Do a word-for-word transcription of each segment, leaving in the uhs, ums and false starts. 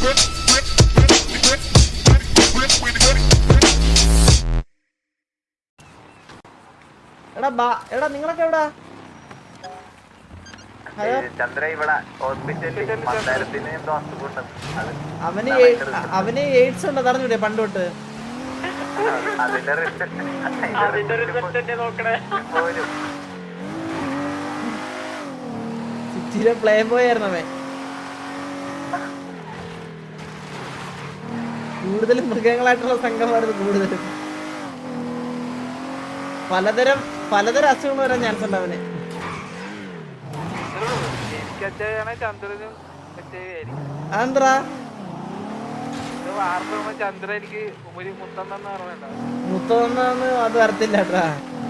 എടാ ബാ എടാ നിങ്ങളൊക്കെ എവിടാ? ചന്ദ്ര ഇവിടെ ഹോസ്പിറ്റലിൽ അവന് അവന് എയ്ഡ്സ് ഉണ്ടോ അറിഞ്ഞൂടെ പണ്ട് തൊട്ട്? സിറ്റിയിലെ പ്ലേ ബോയ് ആയിരുന്നു അവൻ. കൂടുതലും മൃഗങ്ങളായിട്ടുള്ള സംഘമായിരുന്നു കൂടുതലും. പലതരം പലതരം അസുഖങ്ങൾ വരാൻ ചാൻസ് ഉണ്ട് അവന്. അതെന്താ ചന്ദ്ര എനിക്ക് മുത്തൊന്നു അത് വരത്തില്ല കേട്ടാ.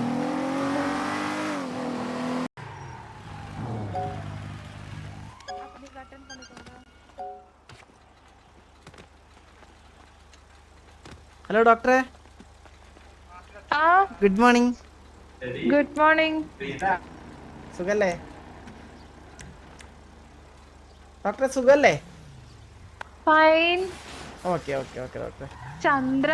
ഹലോ ഡോക്ടറെ, ഗുഡ് മോർണിംഗ്. Good morning. സുഖല്ലേ ഡോക്ടറെ? സുഖല്ലേ? ഫൈൻ. ഓക്കെ ഓക്കെ ഓക്കെ ഡോക്ടറെ. ചന്ദ്ര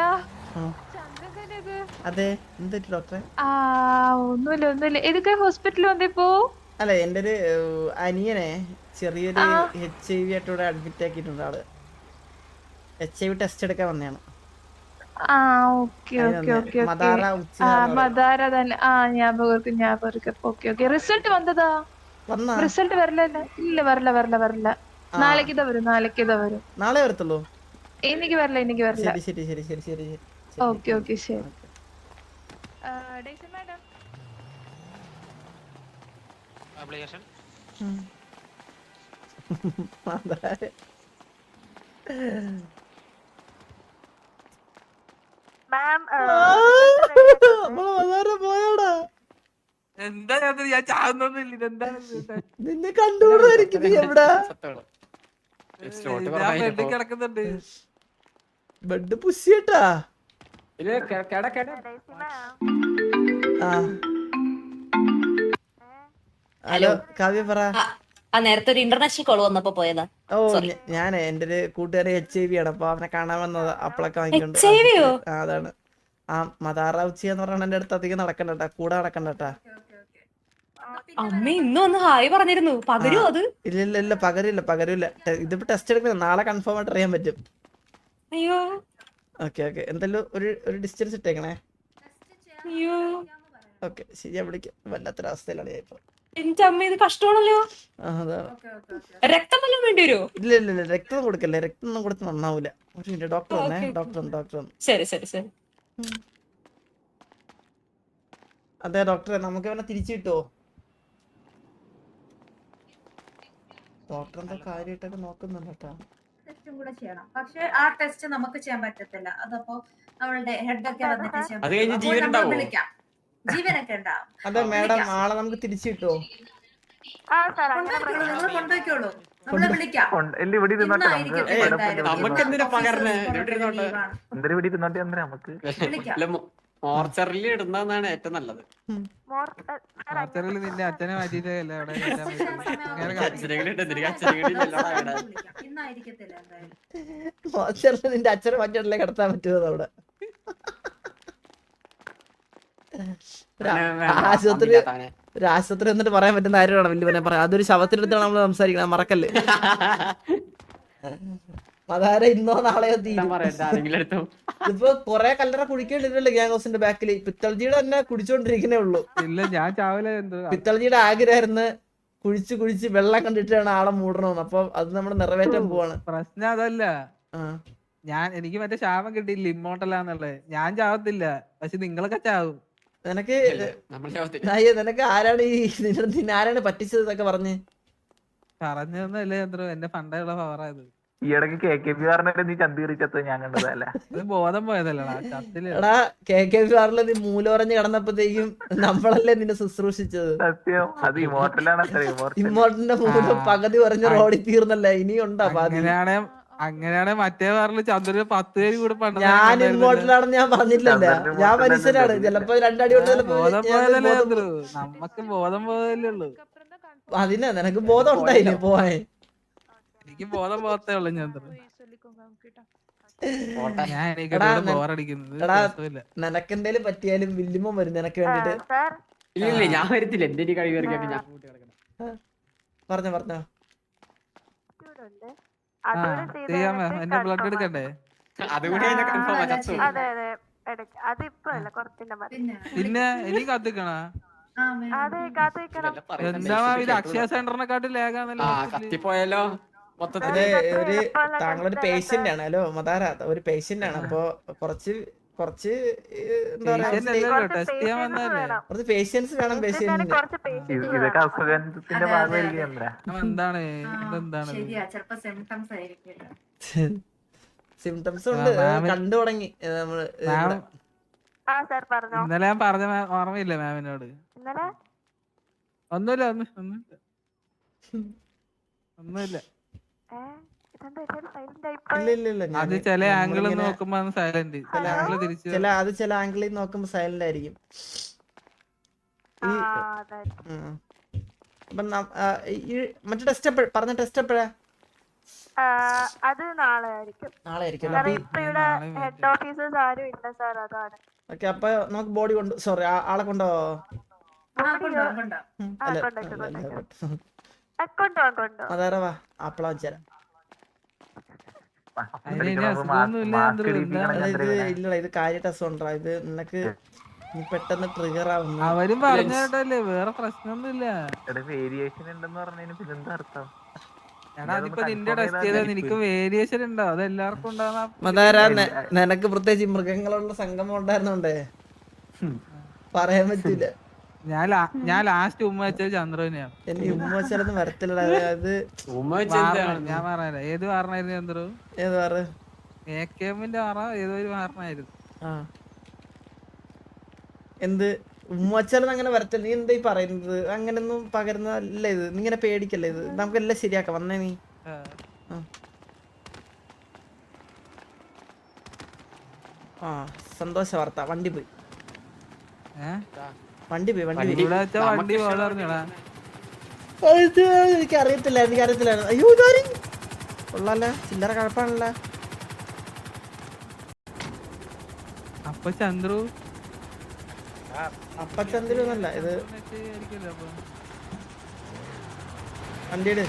അതെ, എന്തെറ്റി ഡോക്ടറെ? ആ ഒന്നുമില്ല ഒന്നുമില്ല. ഏതൊക്കെ ഹോസ്പിറ്റലിൽ വന്നിപ്പോ? അല്ല, എൻ്റെ ഒരു അനിയനെ ചെറിയൊരു എച്ച് ഐ വി ആയിട്ട് ഇവിടെ അഡ്മിറ്റ് ആക്കിയിട്ടുണ്ട്. ആള് എച്ച് ഐ വി ടെസ്റ്റ് എടുക്കാൻ വന്നതാണ്. ആ ഓക്കെ ഓക്കെ ഓക്കെ മദാര തന്നെ. ആ ഞാൻ ഞാൻ ഓക്കെ ഓക്കെ. റിസൾട്ട് വന്നതാ? റിസൾട്ട് വരില്ല. ഇല്ല വരില്ല വരില്ല വരില്ല. നാളേക്കിതാ വരും നാളേക്കിതാ വരും. നാളെ വരത്തുള്ളൂ? എനിക്ക് വരില്ല എനിക്ക് വരില്ല. ശരി ശരി ശരി ശരി ശരി. ഓക്കെ ഓക്കെ ശരി. മാഡം ആപ്ലിക്കേഷൻ മാം പോയാടാ. എന്താ ഞാൻ ചാകുന്നൊന്നുമില്ല. ഇതെന്താ നിന്നെ കണ്ടുകൂടായിരിക്കും. നീ എവിടാ? ബെഡ് കിടക്കുന്നുണ്ട്. ബെഡ് പുഷിട്ടാ. ഹലോ കാവ്യ പറ. നേരത്തെ ഒരു ഇന്റർനാഷണൽ കോൾ വന്നപ്പോ പോയതാ. ഓ ഞാൻ എന്റെ ഒരു കൂട്ടുകാരി എച്ച് ഐ വി ആണ്. അപ്പൊ അവനെ കാണാൻ വന്നത്. അപ്പളൊക്കെ വാങ്ങിക്കൊണ്ട്. അതാണ് ആ മദാറാവുച്ചി എന്ന് പറഞ്ഞ എന്റെ അടുത്ത് അധികം നടക്കണ്ടട്ടാ, കൂടെ നടക്കണ്ടട്ടാ. അമ്മ ഇന്നും ഒന്ന് ഹായ് പറഞ്ഞിരുന്നു. പകരോ അത്? ഇല്ല ഇല്ല ഇല്ല പകരില്ല പകരില്ല. ഇതിപ്പോ ടെസ്റ്റ് എടുക്കുന്നത് നാളെ കൺഫേം ആയിട്ട് അറിയാൻ പറ്റും. അയ്യോ ഓക്കെ ഓക്കെ. എന്തായാലും ഒരു ഒരു ഡിസ്റ്റൻസ് ഇട്ടേക്കണേ. അയ്യോ ഓക്കെ ശരി, ഞാൻ വിളിക്കാം. വല്ലാത്തൊരവസ്ഥയിലാണ് ഞാൻ ഇപ്പൊ. എന്റെ അമ്മ ഇത് കഷ്ടമാണല്ലോ. അതാണ്. രക്തം വല്ലതും വേണ്ടി വരുമോ? ഇല്ല ഇല്ല ഇല്ല രക്തം കൊടുക്കല്ലേ. രക്തം ഒന്നും കൊടുത്ത് നന്നാവൂല. ഒരു മിനിറ്റ് ഡോക്ടർ വന്നേ. ഡോക്ടർ വന്നു ഡോക്ടർ വന്നു. ശരി ശരി ശരി. അതെ ഡോക്ടറെ, നമുക്ക് അവനെ തിരിച്ചു കിട്ടുമോ? ഡോക്ടർ എന്താ കാര്യമായിട്ടൊക്കെ നോക്കുന്നുണ്ട് കേട്ടോ. ടെസ്റ്റും കൂടെ ചെയ്യണം. പക്ഷെ ആ ടെസ്റ്റ് നമുക്ക് ചെയ്യാൻ പറ്റത്തില്ല. അതപ്പോ നമ്മളുടെ ഹെഡ് ഒക്കെ വന്നിട്ട് ചെയ്യാൻ പറ്റും. വിളിക്കാം, ജീവനൊക്കെ ഉണ്ടാവും. അതെ മാഡം, ആളെ നമുക്ക് തിരിച്ചു കിട്ടുമോ? നിങ്ങൾ കൊണ്ടുപോയിക്കോളൂ, നമ്മളെ വിളിക്കാം. മോർച്ചറിൽ ഇടുന്നതാണ് ഏറ്റവും നല്ലത്. നിന്റെ അച്ഛനെ മാറ്റിയിട്ടല്ലേ അവിടെ. നിന്റെ അച്ഛനെ മാറ്റിയിട്ടല്ലേ കിടത്താൻ പറ്റുമോ അവിടെ? ആശുപത്രി ഒരു ആശുപത്രി എന്നിട്ട് പറയാൻ പറ്റുന്ന കാര്യമാണ് വലിയ പറയാം. അതൊരു ശവത്തിനടുത്താണ് നമ്മൾ സംസാരിക്കണം, മറക്കല്ലേ. അതാര ഇന്നോ നാളെയോ തീരും. ഇപ്പൊ കൊറേ കല്ലറ കുടിക്കേണ്ടിട്ടല്ലേ ഗ്യാങ് ഹൗസിന്റെ ബാക്കിൽ. പിത്തൾജിയുടെ തന്നെ കുടിച്ചോണ്ടിരിക്കുന്നേ ഉള്ളൂ. ഇല്ല ഞാൻ ചാവല. പിത്തൾജിയുടെ ആഗ്രഹമായിരുന്നു കുഴിച്ച് കുഴിച്ച് വെള്ളം കണ്ടിട്ടാണ് ആളെ മൂടണമെന്ന്. അപ്പൊ അത് നമ്മൾ നിറവേറ്റാൻ പോവാണ്. പ്രശ്നം അതല്ല, ഞാൻ എനിക്ക് മറ്റേ ശാപം കിട്ടിയില്ല ഇമ്മോട്ടലാന്നുള്ളത്. ഞാൻ ചാവത്തില്ല, പക്ഷെ നിങ്ങളൊക്കെ ചാവും. നിനക്ക് നിനക്ക് ആരാണ് ഈ നിന്നെ ആരാണ് പറ്റിച്ചത് എന്നൊക്കെ പറഞ്ഞ് പറഞ്ഞതല്ലേ ചന്ദ്രു. എന്റെ പണ്ടുള്ള പവറായത്. ഈ ഇടയ്ക്ക് കെ കെ പി ആറിനെ നീ ചന്തീറി ചത്ത ഞാൻ കണ്ടതല്ല. അത് ബോധം പോയതല്ലടാ. എടാ കെ കെ പി ആറില് നീ മൂലറഞ്ഞ് കിടന്നപ്പോഴത്തേക്കും നമ്മളല്ലേ നിന്നെ ശുശ്രൂഷിച്ചത്. സത്യം, അത് ഇമോർട്ടലാണ്. ഇമോർട്ടലിന്റെ മൂലം പകുതി പറഞ്ഞ് റോഡിൽ തീർന്നല്ല. ഇനിയുണ്ടാ അങ്ങനെയാണെ അങ്ങനെയാണെ മറ്റേ വാറില് ചന്ദ്രന് പത്ത് പേര് കൂടെ പണ്ട്. ഞാൻ ഇമോർട്ടലാണെന്ന് ഞാൻ പറഞ്ഞില്ലല്ലോ. ഞാൻ മനുഷ്യനാണ്. ചിലപ്പോ രണ്ടടി ബോധം പോയതല്ലേ ചന്ദ്രു. നമ്മക്ക് ബോധം പോയതല്ലേ ഉള്ളു. അതിനാ നിനക്ക് ബോധം ഉണ്ടായില്ലേ പോവാൻ? എനിക്ക് ബോധം പോകത്തേ ഉള്ളു ചന്ദ്രൻ. വിളിക്കുമ്പോ നമുക്ക് കേട്ടോ. ഞാൻ എടാ, എനിക്കിവിടെ ന- ബോറടിക്കുന്നത് എടാ, രസമില്ല. നിനക്കെന്തേലും പറ്റിയാലും വില്ലുമ്മ വരും നിനക്ക് വേണ്ടിട്ട്. ഇല്ല ഇല്ല ഞാൻ വരത്തില്ല എന്റെ ഒരു കഴിവ് ഇറക്കിയിട്ട് ഞാൻ കൂട്ടി കിടക്കണം. പറഞ്ഞോ പറഞ്ഞോ. ആ ചെയ്യാമോ? എന്റെ ബ്ലഡ് എടുക്കണ്ടേ? അതുകൂടി കഴിഞ്ഞാൽ കൺഫേം ചത്തു. പിന്നെ പിന്നെ എനിക്ക് കത്തിക്കണ ആ, വേണം. എന്താ ഇത് അക്ഷയ സെന്ററിനെക്കാട്ടും ലേഖാന്നല്ലോ ആ ഹോസ്പിറ്റലിൽ. കത്തിപ്പോയാലോ ഇത് മൊത്തത്തില്. ഒരു താങ്കളൊരു പേഷ്യന്റ് ആണ്. ഹലോ മതാര, ഒരു പേഷ്യന്റ് ആണ്. അപ്പൊ കുറച്ച് കുറച്ച് ഏഹ്, എന്താ പറയാ, Patient അല്ലല്ലോ, ടെസ്റ്റ് ചെയ്യാൻ വന്നതല്ലേ. കുറച്ച് പേഷ്യൻസ് വേണം പേഷ്യന്റിന്. ഇത് ഇതൊക്കെ അസുഖത്തിന്റെ അതെ, ഭാഗമായിരിക്കും അതെ. ചന്ദ്ര. അവൻ എന്താണ് ആ, ഇതെന്താണ് ശരിയാ ചിലപ്പോ സിംറ്റംസ് ആയിരിക്കും. സിംറ്റംസ് ഉണ്ട്. ആ, മാമിന് കണ്ടു തുടങ്ങി ഏഹ്, നമ്മള് മാം ഇവിടെ. ഇന്നലെ ഞാൻ പറഞ്ഞ മാം ഓർമ്മയില്ലേ മാമിനോട്? ഒന്നുമില്ല ഒന്ന് ഒന്നുമില്ല ഒന്നുമില്ല. ഇല്ല ഇല്ല ഇല്ല അത് ഞാന് ചില ആംഗിൾ നമ്മളിങ്ങനെ നോക്കുമ്പോ സൈലന്റ്, ചില ആംഗിൾ തിരിച്ചു. ചില അത് ചില ആംഗിളിൽ നോക്കുമ്പോ സൈലന്റ് ആയിരിക്കും. ഈ ഉം. അപ്പൊ നം- ആ, ഈ മറ്റേ ടെസ്റ്റ് എപ്പോഴ പറഞ്ഞ ടെസ്റ്റ് എപ്പോഴാ? അത് നാളെ ആയിരിക്കും. നാളെ ആയിരിക്കും. അപ്പൊ ഈ- ഇപ്പൊ ഇവിടെ ഹെഡ് ഓഫീസേഴ്സ് ആരും ഇല്ല സാർ, അതാണ്. ഓക്കെ, അപ്പൊ നമുക്ക് ബോഡി കൊണ്ട് സോറി ആളെ കൊണ്ടോ? ആ കൊണ്ടുപോകാം കൊണ്ടുപോകാം. ഉം, ആ, അല്ല, കൊണ്ടുവയ്ക്ക്, അല്ല, അല്ല, കൊണ്ടുവയ്ക്ക്. കൊണ്ടുവയ്ക്ക്. കൊണ്ടുപോകാം കൊണ്ടുപോകാം. അതാരാ വാ ആപ്പിള വെച്ചേരാം. അതിന് ഇനി അസുഖമൊന്നും ഇല്ല ചന്ദ്രു, എന്താണ്? എടാ, ഇത് ഇല്ലടാ, ഇത് കാര്യ ടെസ്റ്റ് ഉണ്ടോ? ഇത് നിനക്ക് നീ പെട്ടെന്ന് ട്രിഗർ ആവുന്നു. അവരും പറഞ്ഞു കേട്ടല്ലേ, വേറെ പ്രശ്നമൊന്നുമില്ല. വേരിയേഷൻ ഉണ്ടെന്ന് പറഞ്ഞതിന് പിന്നെന്താ അർത്ഥം? എടാ അതിപ്പോ നിന്റെ ടെസ്റ്റ് ചെയ്താൽ നിനക്ക് വേരിയേഷൻ ഉണ്ടോ? അത് എല്ലാവർക്കും ഉണ്ടാകുന്ന മതാര, നിനക്ക് പ്രത്യേകിച്ച് മൃഗങ്ങളുള്ള സംഗമം ഉണ്ടായിരുന്നോണ്ടേ പറയാൻ പറ്റില്ല. ഞാൻ ലാ- ഞാൻ ലാസ്റ്റ് ഉമ്മ വെച്ചത് ചന്ദ്രനെയാണ്. എനിക്ക് ഉമ്മ വെച്ചാലൊന്നും വരത്തില്ലടാ. അത് ഉമ്മ വെച്ച് എന്താണ്? ഞാൻ പറഞ്ഞ ഏത് വാറനായിരുന്നു ചന്ദ്രു? ഏത് പറ? എ കെ എമ്മിന്റെ വാറ ഏതോ ഒരു വാറനായിരുന്നു. ആ എന്ത് ഉമ്മ വെച്ചാലൊന്നും അങ്ങനെ വരത്തില്ല. നീ എന്താ ഈ പറയുന്നത്? അങ്ങനൊന്നും പകരുന്നതല്ല ഇത്. നീ ഇങ്ങനെ പേടിക്കല്ലേ. ഇത് നമുക്കെല്ലാം ശരിയാക്കാം. വന്നേ നീ. ആ. ആ. ആ സന്തോഷ വാർത്ത. വണ്ടി പോയി ഏ? വണ്ടി പോയി വണ്ടി പോയി. ഇവിടെ വെച്ച വണ്ടി പോലെ അറിഞ്ഞടാ. ഇത് എനിക്ക് അറിയത്തില്ല എനിക്ക് അറിയത്തില്ല. അയ്യോ ഇതാരി കൊള്ളാല്ല, ചില്ലറ കഴപ്പാണല്ല. അപ്പൊ ചന്ദ്രു അപ്പച്ചന്തിരൊന്നല്ല ഇത്. ആയിരിക്കുമല്ലോ അപ്പൊ. വണ്ടിയുടെ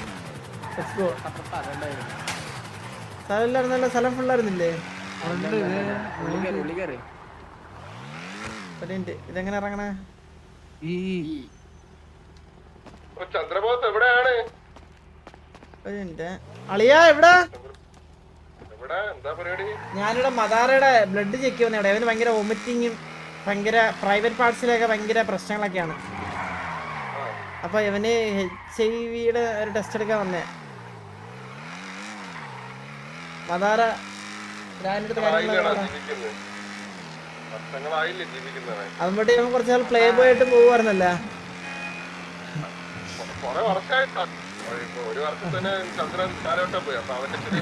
സ്ഥലമില്ലായിരുന്നല്ലോ. സ്ഥലം ഫുള്ളായിരുന്നില്ലേ? ഉണ്ട് ഇത്. ഉള്ളി കയറി ഉള്ളി കയറി. ഒരു മിനിറ്റ്, ഇതെങ്ങനെ ഇറങ്ങണേ? ഈ ചന്ദ്രബോസ് എവിടെയാണ്? ഒരു മിനിറ്റ്. അളിയാ എവിടാ? എവിടെ എന്താ പരിപാടി? ഞാനിവിടെ മദാറയുടെ ബ്ലഡ് ചെക്ക് ചെയ്യുന്നവിടെ. അവന് ഭയങ്കര വൊമിറ്റിങ്ങും ഭയങ്കര പ്രൈവറ്റ് പാർട്സിലൊക്കെ ഭയങ്കര പ്രശ്നങ്ങളൊക്കെയാണ്. അപ്പൊ ഇവന് എച്ച് ഐ വിയുടെ ഒരു ടെസ്റ്റ് എടുക്കാൻ വന്നേ. മദാറ ഞാനെടുത്ത് ആയില്ലടാ ജീവിക്കുന്നത്. വർഷങ്ങളായില്ലേ ജീവിക്കുന്നത്. അതുമ്പോട്ട് ഇവൻ കുറച്ച് നാൾ പ്ലേ ബോയ് ആയിട്ട് പോകുമായിരുന്നല്ല. കൊറേ വർഷമായിട്ടാ. ഇപ്പൊ ഒരു വർഷം തന്നെ ചന്ദ്രൻ കാലോട്ടം പോയി. അപ്പൊ അവന്റെ ശരി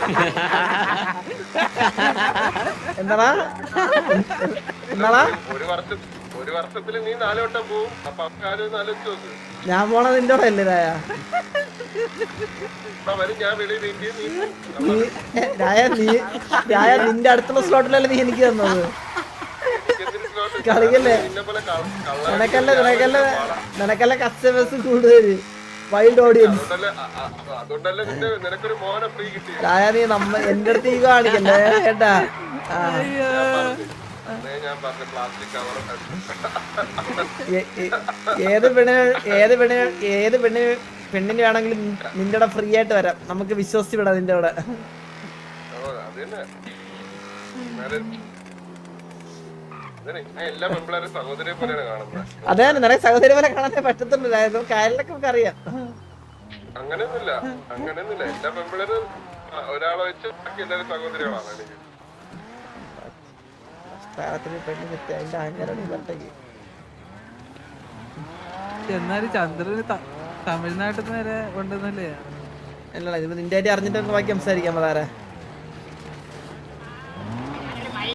എന്താടാ എന്താടാ? ഒരു വർഷം ഒരു വർഷത്തിൽ നീ നാലോട്ടം പോവും. അപ്പൊ അവക്കാരും ആലോചിച്ച് നോക്ക്. ഞാൻ പോണത് നിന്റെ കൂടെ അല്ലേ രായ? അപ്പൊ വരും ഞാൻ വെളിയിൽ നീട്ടി നീ നീ രായ നീ രായ നിന്റെ അടുത്തുള്ള സ്ലോട്ടിലല്ലേ നീ എനിക്ക് തന്നത്? കളിക്കല്ലേ? നിന്നെ പോലെ കള്ള നിനക്കല്ലേ നിനക്കല്ലേ നിനക്കല്ലേ കസ്റ്റമേഴ്സ് കൂടുതല്, വൈൽഡ് ഓഡിയൻസ്. അതുകൊണ്ടല്ലേ അ- അ- അതുകൊണ്ടല്ലേ നിന്റെ നിനക്കൊരു മോനെ ഫ്രീ കിട്ടി. രായ നീ നമ്മ എന്റെ അടുത്ത് ഈ കാണിക്കല്ലേ കേട്ടാ? ആ ഞാൻ പറഞ്ഞ പ്ലാസ്റ്റിക് കവർ ഏ- ഏ- ഏത് പെണ്ണിന് ഏത് പെണ്ണിന് ഏത് പെണ്ണിന് പെണ്ണിന് വേണമെങ്കിലും നിന്റെ കൂടെ ഫ്രീ ആയിട്ട് വരാം. നമുക്ക് വിശ്വസിച്ച് വിടാം നിന്റെ കൂടെ. അത് തന്നെ. എന്നാലും ഇതന്നെ, ഞാൻ എല്ലാ പെമ്പിളാരും സഹോദരിയെ പോലെയാണ് കാണുന്നത്. അതെ നിനക്ക് സഹോദരി പോലെ കാണാനേ പറ്റത്തുള്ളൂ. കാര്യങ്ങളൊക്കെ നമുക്ക് അറിയാം. അങ്ങനെയൊന്നുമില്ല അങ്ങനെയൊന്നുമില്ല എല്ലാ പെമ്പിളരും ഒരാളെ വെച്ച് ബാക്കി എല്ലാവരും സഹോദരികളാണ് എനിക്ക്. താരത്തിന് പെണ്ണ് കിട്ടി അതിന്റെ അഹങ്കാരം പറഞ്ഞേക്ക്. എന്നാലും ചന്ദ്രന് ത- തമിഴ്നാട്ടിൽ നിന്ന് വരെ ഉണ്ടെന്നല്ലേ? അല്ലടാ ഇത് നിന്റെ ആയിട്ട് അറിഞ്ഞിട്ട് ബാക്കി സംസാരിക്കാൻ താര.